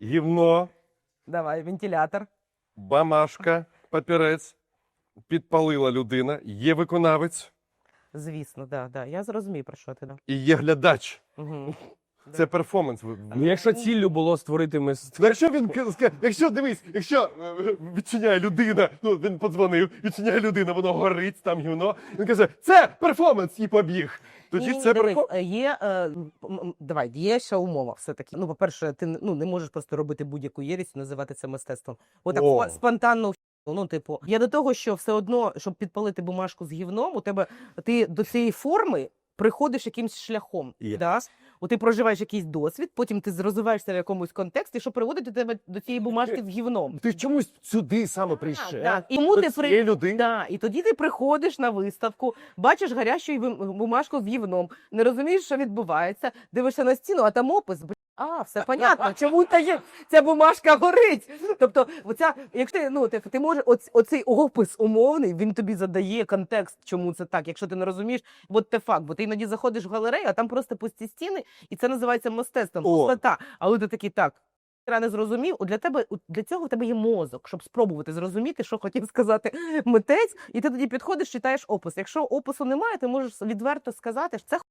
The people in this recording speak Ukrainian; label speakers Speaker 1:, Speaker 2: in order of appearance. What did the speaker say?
Speaker 1: гівно,
Speaker 2: Давай, вентилятор.
Speaker 1: бамашка, папірець, підпалила людина, є виконавець
Speaker 2: Звісно, да. Я зрозумів, про що ти. Да.
Speaker 1: і є глядач.
Speaker 2: Угу.
Speaker 1: Це перформанс.
Speaker 3: Ну, якщо ціллю було створити мистецтво.
Speaker 1: Ну, якщо він якщо дивись, якщо відчиняє людина, ну він подзвонив, відчиняє людина, воно горить, там гівно. Він каже, це перформанс і побіг. Тоді
Speaker 2: Ні,
Speaker 1: це
Speaker 2: дивись,
Speaker 1: перформанс.
Speaker 2: давай, є ще умова все-таки. Ну, по-перше, ти не можеш просто робити будь-яку єрість і називати це мистецтвом. Отак
Speaker 1: О.
Speaker 2: спонтанно. Ну, типу, я до того, що все одно, щоб підпалити бумажку з гівном, ти до цієї форми приходиш якимсь шляхом.
Speaker 1: Є.
Speaker 2: Да? Ти проживаєш якийсь досвід, потім ти розвиваєшся в якомусь контексті, що приводить до тебе до цієї бумажки з гівном.
Speaker 1: Ти чомусь сюди саме прийшов.
Speaker 2: Так. І тому
Speaker 1: До
Speaker 2: ти
Speaker 1: цієї людини.
Speaker 2: Да, і тоді ти приходиш на виставку, бачиш гарячу бумажку з гівном, не розумієш, що відбувається, дивишся на стіну, а там опис. Все понятно, чому ця бумажка горить. Тобто, якщо ти можеш, оцей опис умовний, він тобі задає контекст, чому це так. Якщо ти не розумієш, от те факт, бо ти іноді заходиш в галерею, а там просто пусті стіни, і це називається мистецтвом, пустота. Але ти такий, так, я не зрозумів, для цього в тебе є мозок, щоб спробувати зрозуміти, що хотів сказати митець, і ти тоді підходиш, читаєш опис. Якщо опису немає, ти можеш відверто сказати, що це